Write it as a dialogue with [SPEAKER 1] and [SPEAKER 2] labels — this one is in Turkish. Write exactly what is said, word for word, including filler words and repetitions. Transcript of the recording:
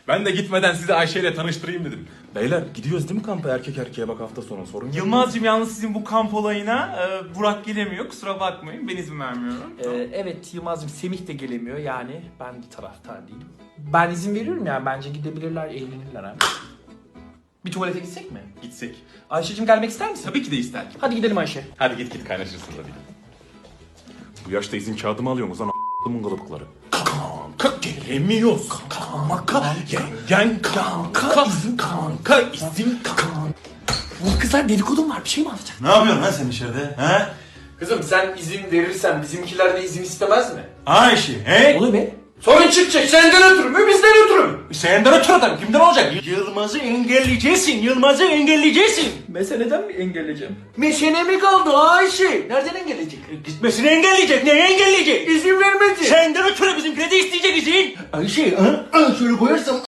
[SPEAKER 1] Ben de gitmeden sizi Ayşe ile tanıştırayım dedim. Beyler gidiyoruz değil mi kampa erkek erkeğe bak hafta sonu sorun yok.
[SPEAKER 2] Yılmaz'cığım yalnız sizin bu kamp olayına e, Burak gelemiyor. Kusura bakmayın. Ben izin vermiyorum.
[SPEAKER 3] Ee, evet Yılmaz'cığım Semih de gelemiyor yani ben bir taraftar değilim. Ben izin veriyorum yani bence gidebilirler eğlenirler abi. Bir tuvalete gitsek mi?
[SPEAKER 1] Gitsek.
[SPEAKER 3] Ayşe'cim gelmek ister misin?
[SPEAKER 1] Tabii ki de ister.
[SPEAKER 3] Hadi gidelim Ayşe.
[SPEAKER 1] Hadi git git kaynaşırsın tabii. Bu yaşta izin kağıdımı alıyorsunuz lan a**ımın kalıpları. Kanka gelemiyoruz. Kanka yengen kanka izin kanka izin kanka.
[SPEAKER 3] Bu kızlar dedikodum var bir şey mi anlatacak?
[SPEAKER 4] Ne yapıyorsun lan sen içeride? He?
[SPEAKER 3] Kızım sen izin verirsen bizimkiler de izin istemez mi?
[SPEAKER 4] Ayşe, he?
[SPEAKER 3] Oluyor be. Sorun çıkacak senden ötürü mü bizden ötürü mü?
[SPEAKER 4] Senden ötürü tabii, kimden olacak? Yılmaz'ı engelleyeceksin, Yılmaz'ı engelleyeceksin.
[SPEAKER 3] Meseleden mi engelleyeceğim?
[SPEAKER 4] Meşene mi kaldı Ayşe? Nereden engelleyecek? Gitmesini engelleyecek, neye engelleyecek? İzin vermedi. Senden ötürü bizimkine de isteyecek izin. Ayşe, ha? Şöyle koyarsam